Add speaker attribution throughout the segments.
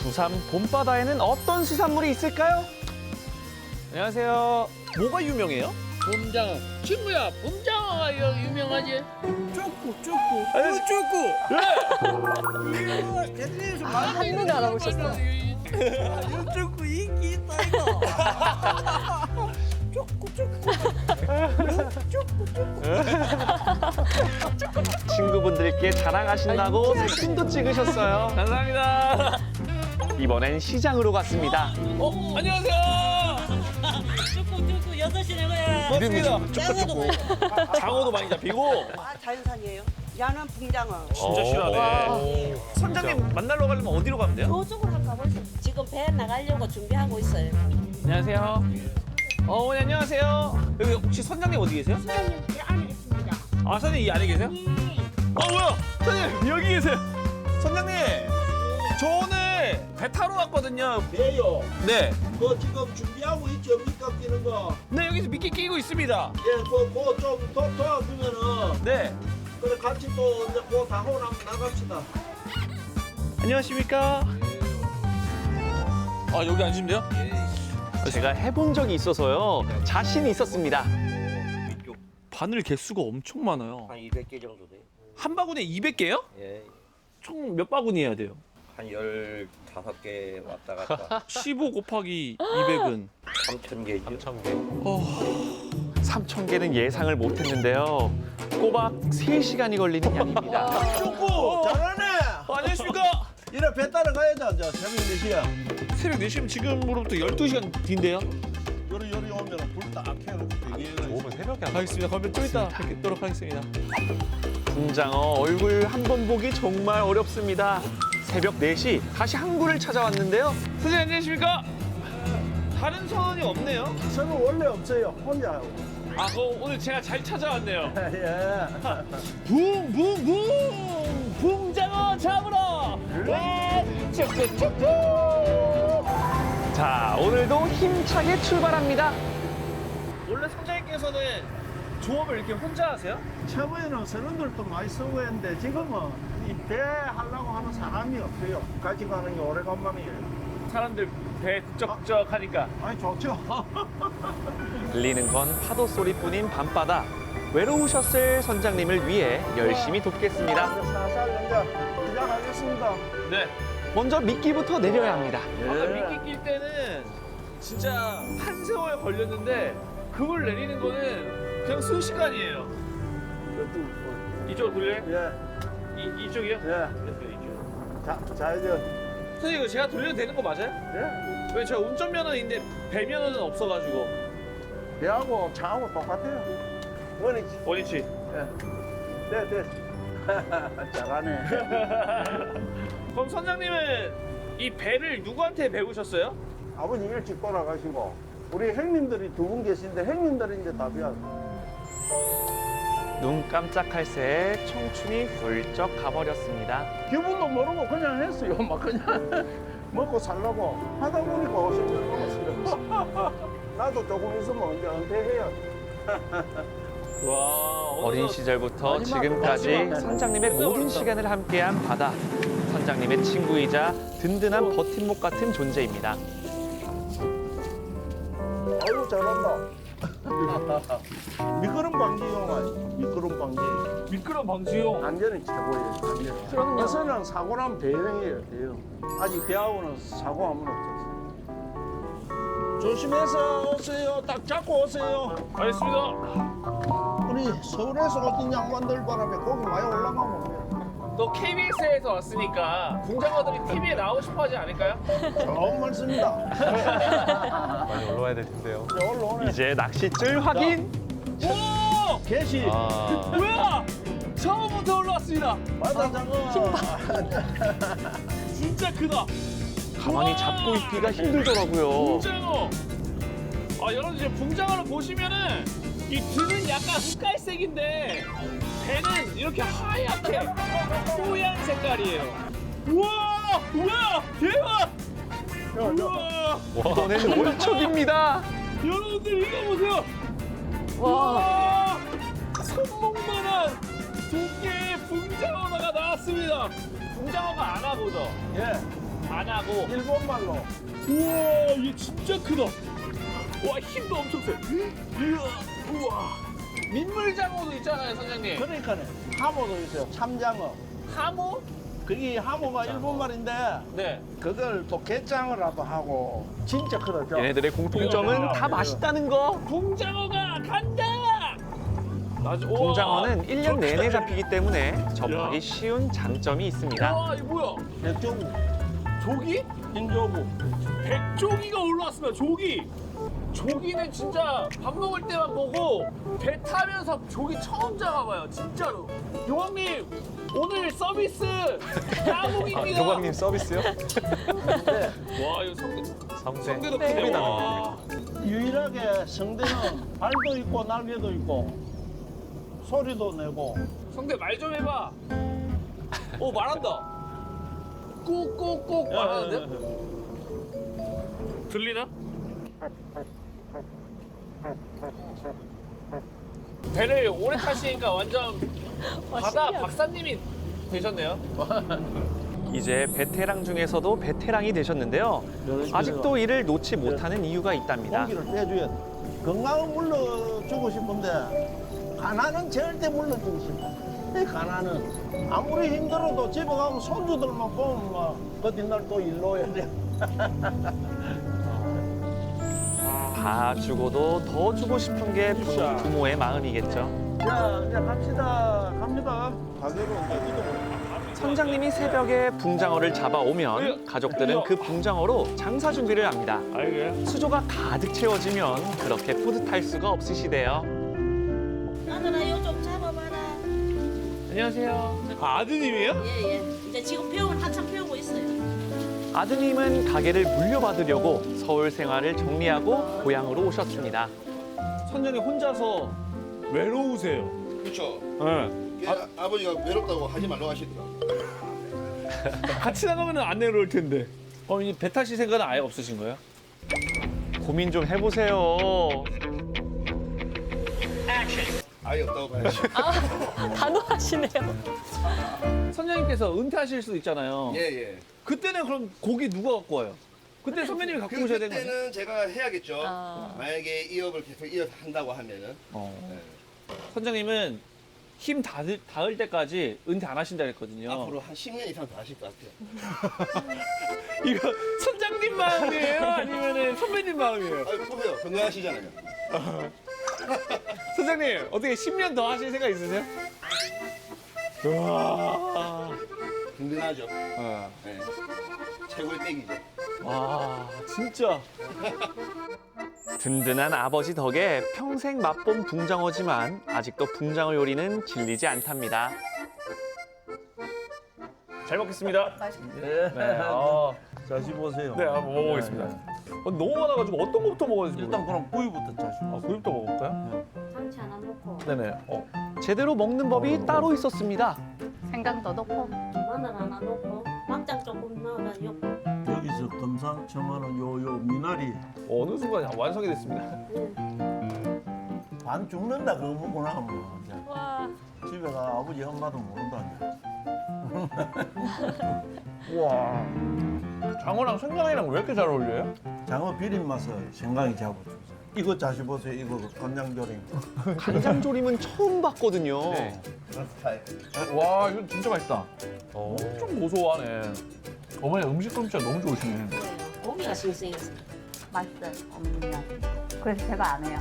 Speaker 1: 부산 봄바다에는 어떤 수산물이 있을까요? 안녕하세요. 뭐가 유명해요?
Speaker 2: 봄장어. 친구야, 봄장어가 유명하지?
Speaker 3: 쪼꾸. 대전에서 많이
Speaker 4: 한눈에 알아보셨어.
Speaker 3: 쪼꾸 인기 있다 이거.
Speaker 1: 친구분들께 자랑하신다고 사진도 찍으셨어요. 감사합니다. 이번엔 시장으로 갔습니다.
Speaker 2: 안녕하세요.
Speaker 4: 쭈꾸 6시 내고야.
Speaker 2: 반갑습니다.
Speaker 4: 장어도 보여.
Speaker 2: 장어도 많이 잡히고.
Speaker 5: 아, 자연산이에요. 야는 붕장어.
Speaker 2: 진짜 실하네. 선장님 만나러 가려면 어디로 가면 돼요?
Speaker 4: 저쪽으로 한번 가보세요. 지금 배 나가려고 준비하고 있어요.
Speaker 1: 안녕하세요.
Speaker 2: 어머니 안녕하세요. 여기 혹시 선장님 어디 계세요?
Speaker 4: 사장님 배 안에 있습니다.
Speaker 2: 아 선생님 이 안에 계세요? 뭐야? 선생님 여기 계세요. 선장님 저 오늘 배 타러 왔거든요.
Speaker 3: 배요.
Speaker 2: 네.
Speaker 3: 그 지금 준비하고 있죠 밑값 끼는 거.
Speaker 2: 네 여기서 미끼 끼고 있습니다.
Speaker 3: 예, 그좀 도와주면은
Speaker 2: 네.
Speaker 3: 그래 같이 또 이제 그 다하고 나갑시다.
Speaker 2: 안녕하십니까? 아 여기 앉으면 돼요?
Speaker 1: 제가 해본 적이 있어서요. 자신이 있었습니다.
Speaker 2: 바늘 개수가 엄청 많아요.
Speaker 6: 한 200개 정도 돼요.
Speaker 2: 한 바구니에 200개요?
Speaker 6: 예.
Speaker 2: 총 몇 바구니 해야 돼요?
Speaker 6: 한 15개 왔다 갔다
Speaker 2: 15 곱하기 200은
Speaker 6: 3,000개죠.
Speaker 1: 3,000개는 예상을 못했는데요. 꼬박 3시간이 걸리는 양입니다.
Speaker 3: 쪼꾸 잘하네.
Speaker 2: 안녕하십니까?
Speaker 3: 이래 배 따라 가야죠. 저 새벽 4시야.
Speaker 2: 새벽 4시면 지금으로부터 12시간 뒤인데요?
Speaker 3: 요리 오면 불 딱 켜놓고 대기해가지고.
Speaker 2: 알겠습니다. 그러면 좀 이따 뵙도록 하겠습니다.
Speaker 1: 붕장어 얼굴 한 번 보기 정말 어렵습니다. 새벽 4시 다시 항구를 찾아왔는데요.
Speaker 2: 선생님 안녕하십니까? 다른 선원이 없네요.
Speaker 3: 저는 원래 없어요. 혼자 하고.
Speaker 2: 아, 그럼 오늘 제가 잘 찾아왔네요.
Speaker 3: 예.
Speaker 2: 붕붕붕! 붕장어 잡으러! 쭉쭉쭉쭉!
Speaker 1: 자, 오늘도 힘차게 출발합니다.
Speaker 2: 원래 선장님께서는 조업을 이렇게 혼자 하세요?
Speaker 3: 처음에는 선원들도 많이 쓰고 했는데 지금은 이 배 하려고 하는 사람이 없어요. 같이 가는 게 오래간만이에요.
Speaker 2: 사람들 배 국적국적 하니까.
Speaker 3: 아니 좋죠.
Speaker 1: 들리는 건 파도 소리뿐인 밤바다. 외로우셨을 선장님을 위해 열심히 돕겠습니다.
Speaker 3: 이제 살살 이제 시작하겠습니다.
Speaker 2: 네.
Speaker 1: 먼저 미끼부터 내려야 합니다.
Speaker 2: 아까 미끼 낄 때는 진짜 한 세월 걸렸는데 그걸 내리는 거는 그냥 순식간이에요. 이쪽으로 돌려요?
Speaker 3: 예,
Speaker 2: 이쪽이요?
Speaker 3: 예. 자 이제
Speaker 2: 선생님 이거 제가 돌려도 되는 거 맞아요?
Speaker 3: 예.
Speaker 2: 왜 제가 운전면허인데 배면허는 없어가지고.
Speaker 3: 배하고 차하고 똑같아요. 원이지.
Speaker 2: 원위치.
Speaker 3: 예. 네. 잘하네.
Speaker 2: 그럼 선장님은 이 배를 누구한테 배우셨어요?
Speaker 3: 아버지 일찍 돌아가시고 우리 형님들이 2분 계신데 형님들이 이제 답이야.
Speaker 1: 눈 깜짝할 새에 청춘이 훌쩍 가버렸습니다.
Speaker 3: 기분도 모르고 그냥 했어요. 막 그냥 먹고 살라고 하다 보니까 50년 넘었어요. 나도 조금 있으면 언제 은퇴해요.
Speaker 2: 와,
Speaker 1: 어린 시절부터 지금까지 선장님의 모든 시간을 함께한 바다. 선장님의 친구이자 든든한 버팀목 같은 존재입니다.
Speaker 3: 아이고 잘한다. 미끄럼 방지용 아니 미끄럼 방지.
Speaker 2: 미끄럼 방지용.
Speaker 3: 안전이 최고예요. 안전. 그럼 요새는 사고 나면 대형이에요. 대형. 아직 배하고는 사고 한번 없었어요. 조심해서 오세요. 딱 잡고 오세요.
Speaker 2: 알겠습니다.
Speaker 3: 우리 서울에서 오신 양반들 바람에 고기 많이 올라가면
Speaker 2: 또 KBS에서 왔으니까 붕장어들이 TV에 나오고 싶어 하지 않을까요?
Speaker 3: 좋은 말씀입니다.
Speaker 7: 많이 올라와야 될 텐데요.
Speaker 3: 이제 올라오네.
Speaker 1: 이제 낚싯줄 확인.
Speaker 2: 오!
Speaker 3: 개시.
Speaker 2: 뭐야! 처음부터 올라왔습니다.
Speaker 3: 바다 장어.
Speaker 2: 진짜 크다.
Speaker 1: 가만히
Speaker 2: 우와!
Speaker 1: 잡고 있기가 힘들더라고요.
Speaker 2: 붕장어. 아 여러분 이제 붕장어를 보시면은 이 등은 약간 흑갈색인데 배는 이렇게 하얗게 뽀얀 색깔이에요. 우와! 우와! 대박! 우와!
Speaker 1: 이번엔 월척입니다.
Speaker 2: 여러분들 이거 보세요. 와! 손목만한 두 개의 붕장어가 나왔습니다. 붕장어가 안 하고죠.
Speaker 3: 예.
Speaker 2: 간하고.
Speaker 3: 일본말로.
Speaker 2: 우와, 얘 진짜 크다. 와, 힘도 엄청 세. 이야, 우와. 민물장어도 있잖아요, 선장님.
Speaker 3: 그러니까 하모도 있어요. 참장어.
Speaker 2: 하모?
Speaker 3: 그게 하모가 일본말인데
Speaker 2: 네.
Speaker 3: 그걸 또 게장어라고 하고 진짜 크다.
Speaker 1: 얘네들의 공통점은 다 맛있다는 거.
Speaker 2: 붕장어가 간다! 맞아. 우와.
Speaker 1: 붕장어는 1년 내내 잡히기 때문에 접하기 쉬운 장점이 있습니다.
Speaker 2: 와, 이거 뭐야?
Speaker 3: 백조구,
Speaker 2: 조기?
Speaker 3: 인조구.
Speaker 2: 백조기가 올라왔습니다, 조기. 조기는 진짜 밥 먹을 때만 보고 배 타면서 조기 처음 잡아봐요, 진짜로. 용왕님, 오늘 서비스 까복입니다.
Speaker 7: 교관님 서비스요?
Speaker 2: 와, 이거 성대도 크네. 와.
Speaker 3: 유일하게 성대는 발도 있고 날개도 있고 소리도 내고.
Speaker 2: 성대 말 좀 해봐. 오, 말한다. 꾹꾹꾹 말하는데? 들리나? 배를 오래 타시니까 완전 바다 박사님이 되셨네요.
Speaker 1: 이제 베테랑 중에서도 베테랑이 되셨는데요. 아직도 이를 놓지 못하는 이유가 있답니다.
Speaker 3: 공기를 빼줘야 돼. 건강은 물러주고 싶은데 가난은 절대 물러주고 싶어. 이 가난은 아무리 힘들어도 집에 가면 손주들만 보면 막그 뒷날 또 일로 오야 돼.
Speaker 1: 다 주고도 더 주고 싶은 게 부모의 마음이겠죠.
Speaker 3: 자, 이제 갑시다. 갑니다. 가게로 이제 이동을.
Speaker 1: 선장님이 새벽에 붕장어를 잡아오면 가족들은 그 붕장어로 장사 준비를 합니다. 수조가 가득 채워지면 그렇게 뿌듯할 수가 없으시대요.
Speaker 4: 나들아 이거 좀 잡아봐라.
Speaker 2: 안녕하세요. 아, 아드님이에요?
Speaker 4: 예예. 이제 지금 한참 배우고 있어요.
Speaker 1: 아드님은 가게를 물려받으려고 서울 생활을 정리하고 고향으로 오셨습니다.
Speaker 2: 선장님 혼자서 외로우세요.
Speaker 8: 그렇죠.
Speaker 2: 네.
Speaker 8: 아버지가 외롭다고 하지 말라고 하시더라고요.
Speaker 2: 같이 나가면 안 외로울 텐데. 이 배 타실 생각은 아예 없으신 거예요?
Speaker 1: 고민 좀 해보세요.
Speaker 8: 아예 없다고 봐야죠.
Speaker 9: 단호하시네요.
Speaker 2: 선장님께서 은퇴하실 수도 있잖아요.
Speaker 8: 예, 예.
Speaker 2: 그때는 그럼 고기 누가 갖고 와요? 그때 선배님이 갖고 오셔야 되는 거예요?
Speaker 8: 그때는 제가 해야겠죠.
Speaker 9: 아.
Speaker 8: 만약에 이 업을 계속 이어서 한다고 하면은.
Speaker 2: 선장님은 힘 닿을 때까지 은퇴 안 하신다 그랬거든요.
Speaker 8: 앞으로 한 10년 이상 더 하실 것 같아요.
Speaker 2: 이거 선장님 마음이에요? 아니면 선배님 마음이에요?
Speaker 8: 아유, 보세요. 건강하시잖아요.
Speaker 2: 선장님, 어떻게 10년 더 하실 생각 있으세요? 우와.
Speaker 8: 든든하죠. 네. 최고의 땡이죠.
Speaker 2: 와, 진짜.
Speaker 1: 든든한 아버지 덕에 평생 맛본 붕장어지만 아직도 붕장어 요리는 질리지 않답니다.
Speaker 2: 잘 먹겠습니다.
Speaker 3: 네.
Speaker 2: 네,
Speaker 3: 자시 보세요.
Speaker 2: 네, 한번 먹어보겠습니다. 너무 많아가지고 어떤 거부터 먹어야 될지
Speaker 3: 일단 그럼 부위부터 자시.
Speaker 2: 구이부터 먹어볼까요?
Speaker 4: 상치 하나 넣고
Speaker 2: 네네.
Speaker 1: 제대로 먹는 법이 따로 있었습니다.
Speaker 9: 생강도 넣고.
Speaker 4: 마늘 하나 넣고 막장 조금 넣어가지고.
Speaker 3: 여기서 금상첨화는 요 미나리
Speaker 2: 어느 순간 완성이 됐습니다.
Speaker 3: 반 죽는다 그거 먹고 나면 이제
Speaker 9: 와.
Speaker 3: 집에 가 아버지 엄마도 모른다 이제. 우와.
Speaker 2: 장어랑 생강이랑 왜 이렇게 잘 어울려요?
Speaker 3: 장어 비린 맛을 생강이 잡아주죠. 이거 자시 보세요. 이거 간장조림.
Speaker 1: 간장조림은 처음 봤거든요.
Speaker 2: 네.
Speaker 8: 그런 스타일.
Speaker 2: 와, 이거 진짜 맛있다. 엄청 고소하네. 어머니 음식 솜씨가 너무 좋으시네.
Speaker 4: 고기가 싱싱해서.
Speaker 9: 맛있어요. 그래서 제가 안 해요.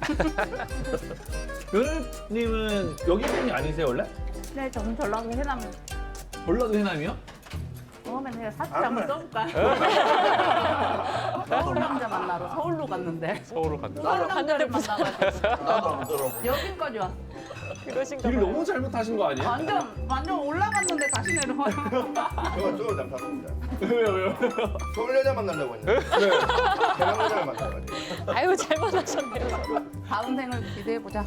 Speaker 2: 연우님은 여기 분이 아니세요 원래?
Speaker 9: 네, 저는 전라도 해남
Speaker 2: 전라도 해남이요?
Speaker 9: 오면 제가 사투리 한번 써볼까요? 서울 남자 만나러 서울로 갔는데
Speaker 7: 서울을 갔는데.
Speaker 9: 서울 남자를 만나가지고
Speaker 3: 나도 한번 들어보고.
Speaker 9: 여기까지 왔어.
Speaker 2: 길을 너무 잘못하신 거 아니에요?
Speaker 9: 완전 올라갔는데 다시 내려와요.
Speaker 8: 저걸 잘못합니다.
Speaker 2: 왜요?
Speaker 8: 서울 여자 만난다고 했는데. 네. 대남 여자를 만나가지고.
Speaker 9: 아유 잘못하셨네요. 다음 생을 기대해 보자.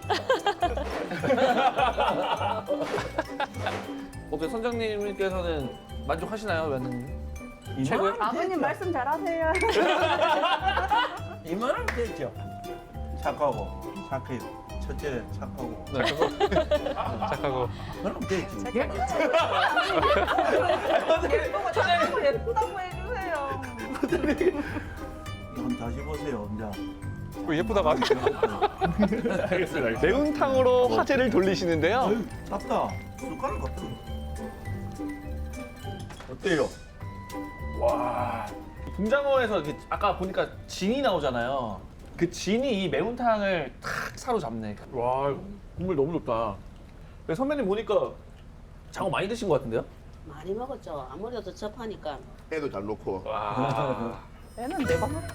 Speaker 2: 어떻게 선장님께서는 만족하시나요, 며느님? 최고요?
Speaker 9: 아버님 말씀 잘하세요.
Speaker 3: 이만하면 됐죠. 착하고 착해요. 첫째 착하고.
Speaker 7: 착하고.
Speaker 3: 그럼 되지.
Speaker 9: 예쁘고 예쁘다고 해주세요.
Speaker 3: 한번 다시 보세요, 이제.
Speaker 7: 예쁘다고 하세요.
Speaker 2: 알겠습니다.
Speaker 1: 매운탕으로 화제를 돌리시는데요.
Speaker 3: 땄다. 숟가락 없어. 어때요?
Speaker 2: 와. 붕장어에서 이렇게 아까 보니까 진이 나오잖아요. 그 진이 이 매운탕을 탁 사로잡네. 와, 국물 너무 좋다. 근데 선배님 보니까 장어 많이 드신 것 같은데요?
Speaker 4: 많이 먹었죠. 아무래도 접하니까.
Speaker 8: 애도 잘 놓고.
Speaker 2: 와.
Speaker 9: 애는 내가 먹.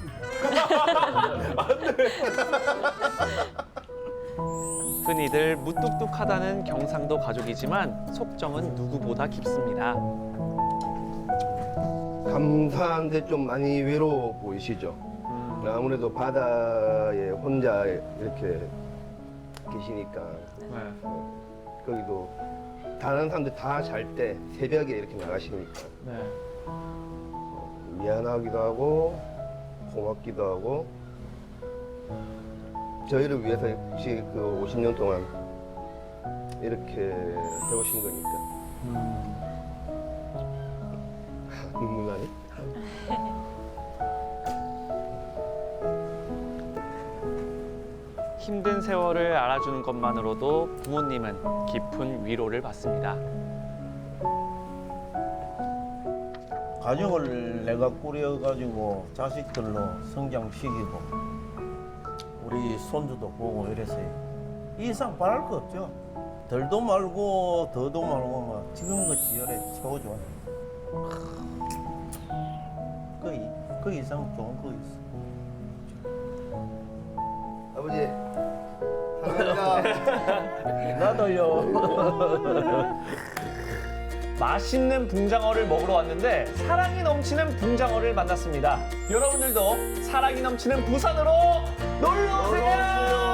Speaker 1: 흔히들 무뚝뚝하다는 경상도 가족이지만 속정은 누구보다 깊습니다.
Speaker 8: 감사한데 좀 많이 외로워 보이시죠? 아무래도 바다에 혼자 이렇게 계시니까
Speaker 2: 네.
Speaker 8: 거기도 다른 사람들 다 잘 때 새벽에 이렇게 나가시니까
Speaker 2: 네.
Speaker 8: 미안하기도 하고 고맙기도 하고 저희를 위해서 혹시 그 50년 동안 이렇게 해오신 거니까 눈물 나니?
Speaker 1: 힘든 세월을 알아주는 것만으로도 부모님은 깊은 위로를 받습니다.
Speaker 3: 가족을 내가 꾸려가지고 자식들로 성장시키고 우리 손주도 보고 이래서요. 이 이상 바랄 거 없죠. 덜도 말고 더도 말고 막 지금같이 열에 채워줘. 그 이상 좋은 거 있어.
Speaker 8: 아버지 감사합니다.
Speaker 3: 나도요.
Speaker 1: 맛있는 붕장어를 먹으러 왔는데 사랑이 넘치는 붕장어를 만났습니다. 여러분들도 사랑이 넘치는 부산으로 놀러 오세요.